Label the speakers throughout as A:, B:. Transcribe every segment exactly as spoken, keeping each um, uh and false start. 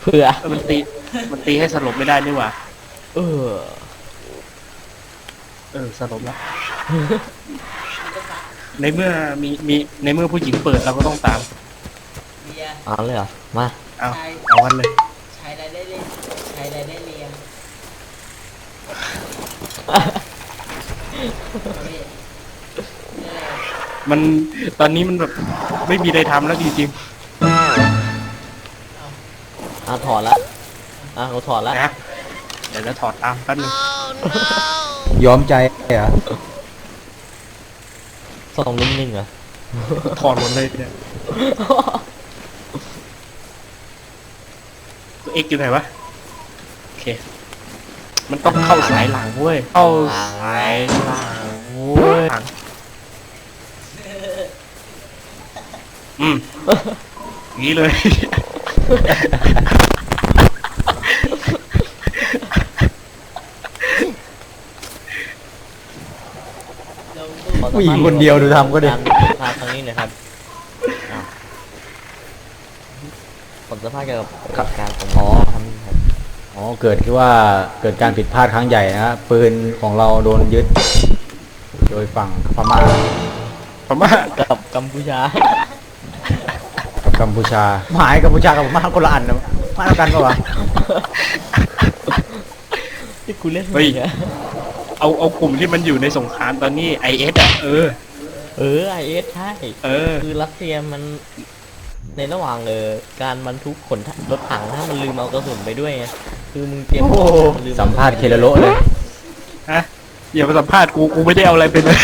A: ผื่อ
B: เออมันตีมันตีให้สลบไม่ได้นี่หว่า
A: เออ
B: เออสลบแล้วในเมื่อมีมีในเมื่อผู้หญิงเปิดเราก็ต้องตาม
A: เอาเลยเหรอมา
B: เอาเอากันเลย
C: ใช้ได้ได้เลยใช้ได้ได้เรียง
B: มันตอนนี้มันแบบไม่มีอะไรทำแล้วจริง
A: อ่ะถอดละอ่ะเขาถอดละ
B: ๆนะเดี๋ยวจะถอดตามแป๊บนึง
D: ยอมใจเหรอ
A: ส่องนิ่งๆเหรอ
B: ถอดหมดเลยเนี่ยตัวเอ็กอยู่ไหนวะโอเคมันต้องเข้าสายหลังเว้ยเข้าสายหลังเว้ยอืมงี้เลย
D: ผู้หญิงคนเดียวดูทำก็ได้
A: พาครั้งนี้หนะครับผมจะพาเกี่ยวกับการสมองทำครับ
D: อ๋อเกิดที่ว่าเกิดการผิดพลาดครั้งใหญ่นะปืนของเราโดนยึดโดยฝั่งพม่า
B: พม่า
A: กับกัมพูชา
D: กับกัมพูชาหมายกัมพูชากับพม่าคนละอันนะมาเท่ากันปะวะ
A: ที่กูเล่น
B: เฮ้ยเอาเอากลุ่มที่มันอยู่ในสงครามตอนนี้ไอเอสอ่ะเออ
A: เออไอเอสใช่
B: เออ
A: คือรัสเซียมันในระหว่างเออการบรรทุกขนรถถังถ้ามันลืมเอากระสุนไปด้วยไงคือมึงเตรียม
D: สัมภาษณ์เคลโลเลย
B: ฮะอย่ามาสัมภาษณ์กูกูไม่ได้เอาอะไรไปเลย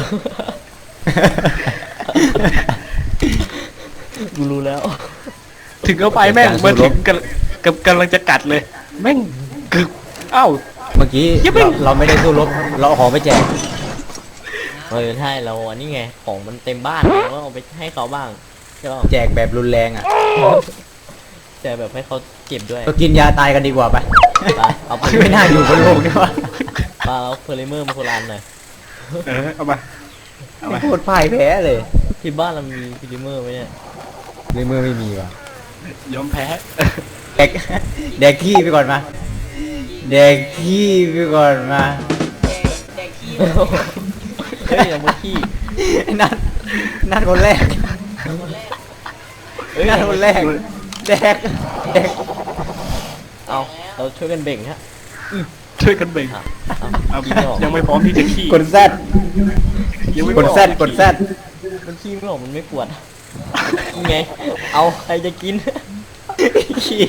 A: กูรู้แล้ว
B: ถึงเอาไปแม่งมาถึงกำกำลังจะกัดเลยแม่งคือเอ้า
D: เมื่อกี้เราไม่ได้สู้รบเราขอไปแจก
A: เออใช่เราอันนี้ไงของมันเต็มบ้านเราก็เอาไปให้เขาบ้าง
D: แจกแบบรุนแรงอ่ะ
A: แจกแบบให้เขาเจ็บด้วย
D: ก็กินยาตายกันดีกว่าไป
A: เอาไป
D: ไม่น่าอยู่บนโลกนี่วะ
A: ปาเอาเพลิเมอร์มาโคลานหน่อย
B: เออเอามา
D: ไม่พูดพ่ายแพ้เลย
A: ที่บ้านเรามีเพลิเมอร์ไหมเนี่ย
D: เพลิเมอร์ไม่มีว่ะ
B: ยอมแพ้
D: แดกแดกขี้ไปก่อนมาแดกขี้ไปก่อนมา
C: แดกขี้
A: เฮ้ยเอามาขี้
D: นัดนัดคนแรกนัดคนแรกแดกแดก
A: เอาเราช่วยกันเบ่งฮะ
B: ช่วยกันเบ่งยังไม่พร้อมที่จะขี้
D: กดแซดกดแซดกดแซด
A: มันขี้ไม่ออกมันไม่ปวดไงเอาใครจะกินขี้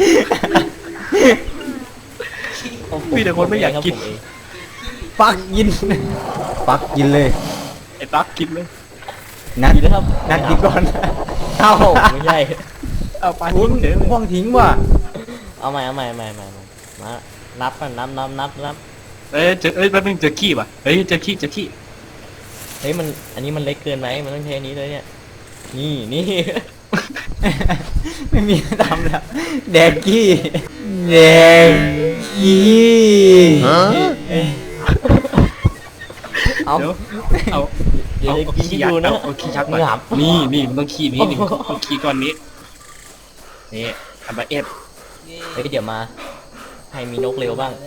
B: พี่แต่คนไม่อยากกิน
D: ปักกินปักกินเลย
B: ไอ้ปักกินเลย
D: นัดนัดกินก่อน
A: เอาไม่ใช่
B: เอาปลาทิ้งเถอะ
D: ห่วงทิ้งว่ะ
A: เอาใหม่เอาใหม่ใหม่ใหม่มานับกันนับนับนับนับ
B: เอ้ยเจอเอ้ยแป๊บนึงเจอขี้ป่ะเฮ้ยเจอขี้เจอขี้
A: เฮ้ยมันอันนี้มันเล็กเกินไหมมันต้องใช้อันนี้เลยเนี่ยนี่นี่
D: ไม่มีทำแล้วแดกกี้แดกกี้
A: เอา
B: เอา
A: เดี๋ยวกินอยู่นะ
B: เอาขี้ชักมานี่นี่มันต้องขี้นี้นี่ต้องขี้ก้อนนี้นี่ทำมาเอฟ
A: เฮ้ยเดี๋ยวมาให้มีนกเร็วบ้าง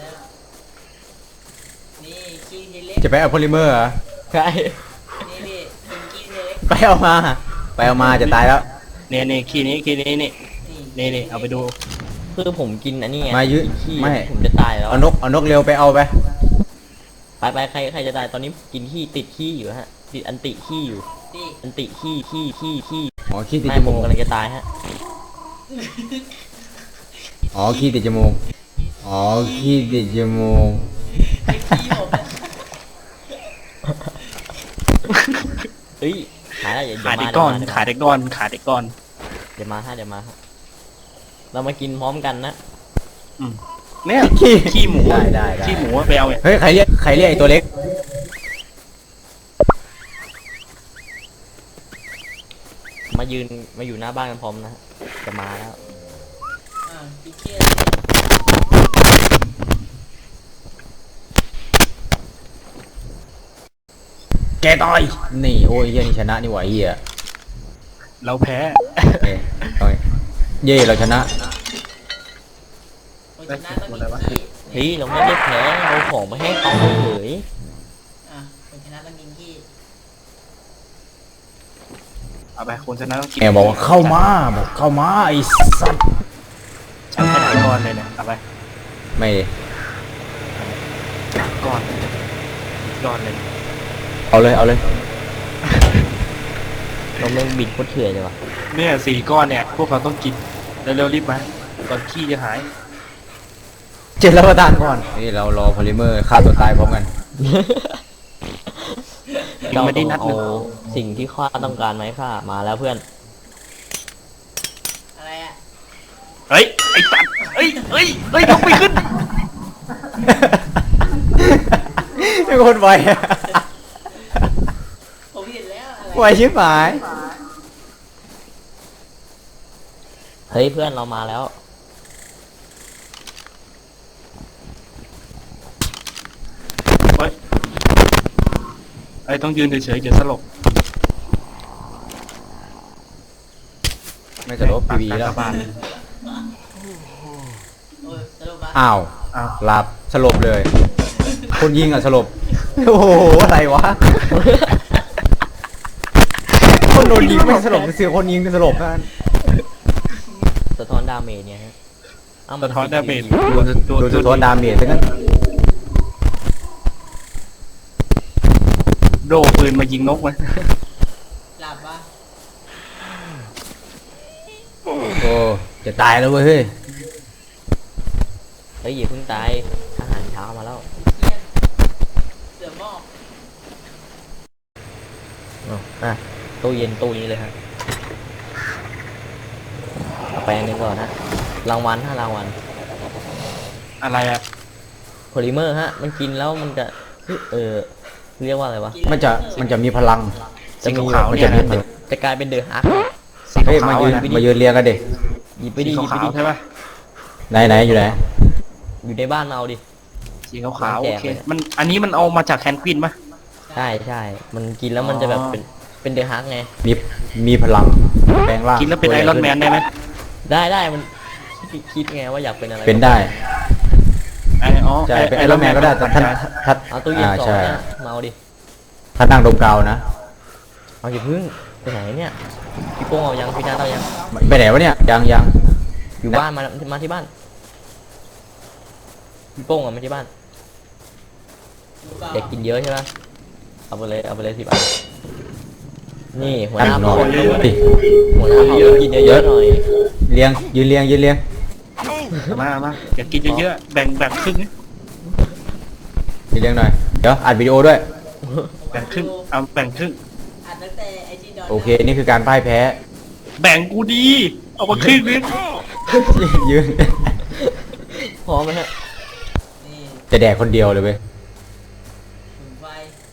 D: จะไปเอาโพลิเมอร์เหรอ
A: ใช่
D: ไปเอามาไปเอามาจะตายแล้ว
B: เนี่ยเนี่ยขี้นี้ขี้นี้นี่นี่นี่เอาไปดู
A: คือผมกินอันนี้ไง
D: มายืด
A: ไม่ผมจะตายแล้ว
D: เอานกเอานกเร็วไปเอาไป
A: ไปไปใครใครจะตายตอนนี้กินขี้ติดขี้อยู่ฮะติดอันติขี้อยู่อันติขี้ขี้ขี้ขี้
D: อ๋อขี้ติด
A: จมูกกำลังจะตายฮะ
D: อ๋อขี้ติดจมูกอ๋อขี้ติดจมูก
A: เฮ้ยขาได้อย่า
B: ขาเด็กก้อนขาเด็กก้อนขาเด็กก้อน
A: เดี๋ยวมาฮะเดี๋ยวมาฮะเรามากินพร้อมกันนะ
B: อืมเนี่ยขี้ขี้หมูได้ได้ขี้หมูไปเอา
D: เฮ้ยใครเรียกใครเรียกไอ้ตัวเล็ก
A: มายืนมาอยู่หน้าบ้านกันพร้อมนะจะมาแล้ว
D: แกต่อยนี่โอ้ยเฮียนี่ชนะนี่หว่าเฮีย
B: เราแพ้
D: เย่เราชนะ
C: ชนะต้องกินขี้
A: เฮ้ยเราไม่ได้แพ้เอาของมาให้เขาเฉย
C: อ่ะคนชนะต้องกินขี้
B: เอาไปคนชนะต้องกิน
D: แกบอกว่าเข้ามาบอกเข้ามาไอ้สัตว์
B: ฉันให้หลายก้อนเลยเนี่ยเอาไป
D: ไม่
B: ก้อนก้อนเลย
D: เอาเลยเอาเลย
A: เราไม่บิดโคตรเถื่อนเลยว่ะ
B: เนี่ยสี่ก้อนเนี่ยพวกเราต้องกินเร็วๆรีบมาก่อนขี้จะหาย
D: เจ็ดรับประทานก่อนนี่เรารอพอลิเมอร์ฆ่าตัวตายพร้อมกัน
B: ยังไม่ได้นัด
A: เอา
B: เลย
A: สิ่งที่ข้าต้องการไหมข้ามาแล้วเพื่อน
C: อะไรอ่ะ
B: เฮ้ยไอ้สัตว์เฮ้ยเฮ้ยเฮ้ยยกไปขึ้น
D: เป็นคนไวอะ
C: ผมเห็นแล้วอะไร
D: ไวชิบหาย
A: เฮ้ยเพื่อนเรามาแล้ว
B: เฮ้ยไอ้ต้องยืนเฉยๆเดี๋ยวสลบ
D: ไม่จะลบพีวีแล้ว
B: ปากกากบาท
C: โอ้ยสรุปว่า
D: อ้าว
B: อ้าว
D: หลับสลบเลย คนยิงอ่ะสลบ โอ้โหอะไรวะ คนโดนยิงไม่สลบเสือคนยิงสลบนั่น
A: สะท้อนดาเมจเนี่ยฮะเามั
B: สะท้อนดาเมจ
D: โดนโดนสะท้อนดาเมจซะงั้น
B: โดปืนมายิงนกมัน
C: หลับวะ
D: โอ้จะตายแล้วเว้ยเฮ้ย
A: เฮ้ยอย่าเพิ่งตายอาหารเช้ามาแล้ว
C: เยี่ยนเสือหมอก
A: อ๋ออ่ะตู้เย็นตู้นี้เลยฮะเอาไปอันนี้ก่อนฮะรางวัลฮะรางวัล
B: อะไรอะ
A: โพลิเมอร์ฮะ มันกินแล้วมันจะเออเรียกว่าอะไรวะ
D: มันจะมันจะมีพลัง
A: จะมี
B: สีขาวๆ
D: มัน
B: เนี่
D: จะ
B: ย
D: มี
B: นะ
D: พลัง
A: จะกลายเป็นเดอะฮัก
B: สี
D: เฮ้ยมา
B: ขาว
D: ยืน
B: ๆนะ
D: มายืนเรียงกันดิ
A: หยิบไป
B: สี
A: ดิหยิบไป
B: ขาว
A: ดิ
B: ๆใช่ปะ
D: ไหนไหนอยู่ไหน
A: อยู่ในบ้านมาเอาดิ
B: สีขาวๆ
A: แจ
B: โอก เค
A: เลย
B: มันอันนี้มันเอามาจากแคนควินปะ
A: ใช่ใช่ มันกินแล้วมันจะแบบ
B: อ๋อ
A: เป็นเป็นเดอะฮักไง
D: มีมีพลังแปลงร่าง
B: กินแล้วเป็นไอรอนแมนได้ไหม
A: ได้ได้มันคิดคิดไงว่าอยากเป็นอะไร
D: เป็นได้
B: ไออ๋อ
D: ใช่เป็นไอรอนแมนก็ได้แต่ท่านท่าน
A: เอาตู้เย็น
D: อ่า
A: สอง
D: ใช่
A: เนี่ยมาเอาดิ
D: ท่านนั่งดมกาวนะ
A: เอาอย่าพึ่งไปไหนเนี่ยพี่โป้งเอายังพี่นาเอายัง
D: ไปไหนวะเนี่ยยังยัง
A: อยู่บ้านมามาที่บ้านพี่โป้งเอามาที่บ้าน
C: รู้เปล่า
A: เด็กกินเยอะใช่ไหมเอาไปเลยเอาไปเลยสิบอันนี่หัวห
D: นั่ง
A: น้าน
D: อ
A: เผ่าน
D: ดิ
A: หัวหน้าเผ่าต้องกินเยอะๆหน่อย
D: เลี้ยงยืนเลี้ยงยืนเลี้ยง
B: มามาอยากกินเยอะๆแบ่งแบ่งครึ่งนะ
D: ยืนเลี้ยงหน่อยเดี๋ยวอัดวิดีโอด้วย
B: แบ่งครึ่งเอาแบ่งครึ่ง
C: อัดตั้งแต่ไอจีดอน
D: โอเคนี่คือการพ่ายแพ้
B: แบ่งกูดีเอามาครึ่งนึง
D: ยืน
A: พร้อมไหมฮะ
C: นี่
D: จะแดกคนเดียวเลยเว้ย
C: ถุงไฟ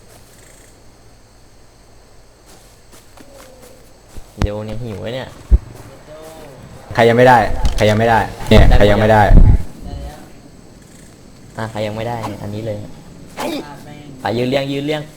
A: เดี๋ยวเนี่ยหิวไว้เนี่ย
C: โด
D: ใครยังไม่ได้ ใครยังไม่ได้ เนี่ยใครยังไม่ได้
C: ได้แล้ว
A: อ่ะใครยังไม่ได้เนี่ยอันนี้เลย
C: พาแม่ง
A: ไปยืนเลี้ยงยืนเลี้ยง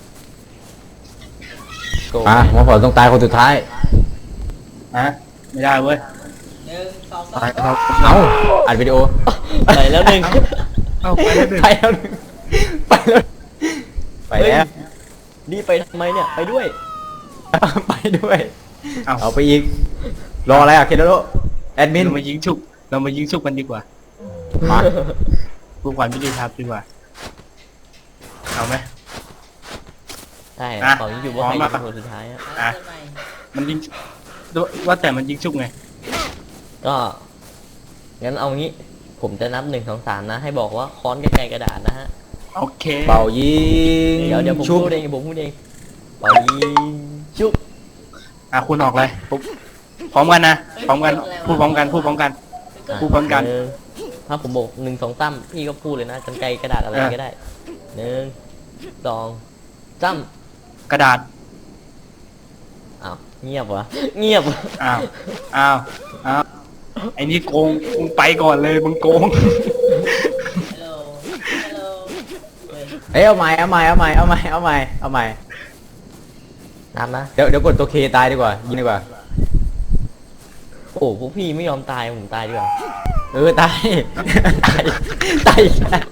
A: โก
D: อ่ะหมอผอต้องตายคนสุดท้าย
B: ฮะไม่ได้เว้ย
C: หนึ่งสองสา
B: ตาย
C: ม
B: เรา
D: เอาอัดวิดีโอ
A: ไปแล้วหนึ่ง
B: เอาไปแล้วหนึ่ง
D: ไปแล้วไปแล้วไปแล้ว
A: นี่ไปทำไมเนี่ยไปด้วย
D: ไปด้วย
B: เอา
D: เอาไปอีก รออะไรอ่ะเคนโดโรแอดมิน
B: เรามายิงฉุกเรามายิงฉุกกันดีกว่า
D: มา
B: เพื่อความยุติธรรมดีกว่าเอาไหม
A: ใช่
B: อ่ะ
A: ตอนนี้อยู่ว่า
B: พร้
A: ใค
B: อ
A: ร
B: ม
A: จะ
B: มา
A: เป็นคนสุดท้ายอะ
C: อ่ะเริ่มใหม่
B: มันยิงว่าแต่มันยิงฉุกไง
A: ก็งั้นเอางี้ ผมจะนับหนึ่งสองสามนะ ให้บอกว่าค้อนกับไกลกระดาษนะฮะ
B: โอเค
D: เป่ายิง
A: เดี๋ยวเดี๋ยวผม
D: ชุบ
A: พูดเองผมพูดเองเป่ายิงชุบ
B: อ่ะคุณออกเลยปุ๊บพร้อมกันนะพร้อมกันพูดพร้อมกันพูดพร้อมกัน
A: อ่ะ
B: พูดพร้อมกัน
A: หงถ้าผมบอกหนึ่งสองสามพี่ก็พูดเลยนะกันไกลกระดาษอะไร
B: เออ
A: ก็ได้หนึ่งสองสาม
B: กระดาษ
A: อ้าวเงียบวะเงียบ
B: อ้าวอ้าวอ้าวไอ้นี่โกงมึงไปก่อนเลยมึงโกง
C: ฮัลโหลฮัลโหลเฮ้ย
D: เอ้ยเอาใหม่เอาใหม่เอาใหม่เอาใหม่เอาใหม่เอาใหม่
A: นับนะ
D: เดี๋ยวเดี๋ยวกดตัวเคตายดีกว่ายิงดีกว่า
A: โอ้พวกพี่ไม่ยอมตายผมตายดีกว่า
D: เออตาย ตายตายอีกแล้ว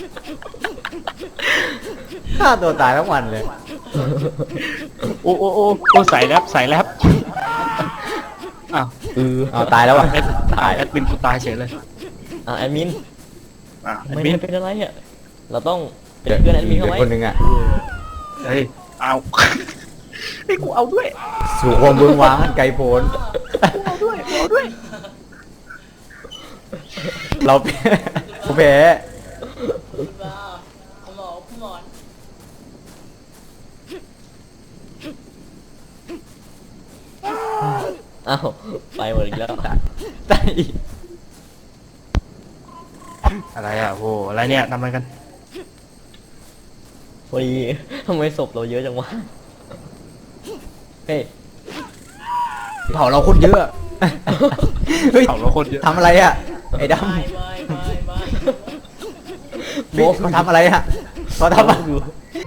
D: ฆ่าตัวตายทั้งวันเลย
B: โอ้โอ้โอ้โอ้ใส่แรปใส่แรปอ้าว
A: เออ
D: เอาตายแล้ววะ
B: แอดตายแอดมินกูตายเฉยเลย
A: อ่ะแอดมิน
B: อ่ะแอ
A: ไม่
B: ดมิน
A: เป็นอะไรอ่ะเราต้องเป็นเพื่อนแอดมินเขาไว้
D: คนหนึ่งอ่ะ
B: เฮ้ยเอาไอ้ยกูเอาด้วย
D: สู่ความเบื้องว้างอันไกลโพ้น
B: กูเอาด้วยกูเอาด้วย
D: เราผู้แพ้
C: คุณบ้าคุณหมอคุณหมอน
A: อ้าวไปหมดอีกแล้ว
D: ตายอีก
B: อะไรอ่ะโหอะไรเนี่ยทำอะไรกัน
A: พอดีทำไมศพเราเยอะจังวะเฮ้ย
D: เผาเราคนเยอะ เฮ้ย
B: เผาเราคนเยอะ
D: ทำอะไรอ่ะ ไอ้ด
C: ไม่ไม่ไม่ไม่
D: ำพี่เขาทำอะไรอ่ะเขาทำอะไรอยู่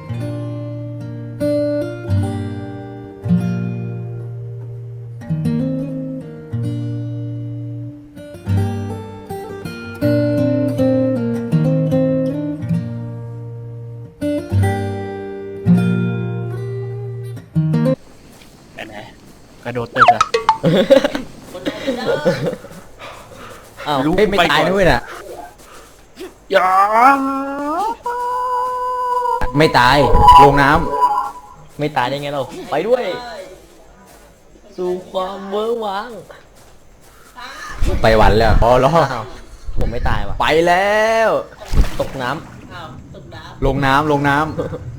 B: ไหนไหนกระโดดตึกอะ
C: คนไหนไม่ได้
A: อ้าว
B: รู้
D: เฮ้ยไม่ตายด้วยน่ะ
B: อย่า
D: ไม่ตาย ลงน้
A: ไม่ตายได้ไงเราไปด้วย สู่ความเวอร์วัง
D: ำไปหวันแล้วพอรอ
A: อ้าวผมไม่ตายว่ะ
D: ไปแล้ว
A: ตกน้
C: อ้าวตกน้
D: ลงน้ำลงน้
C: ำ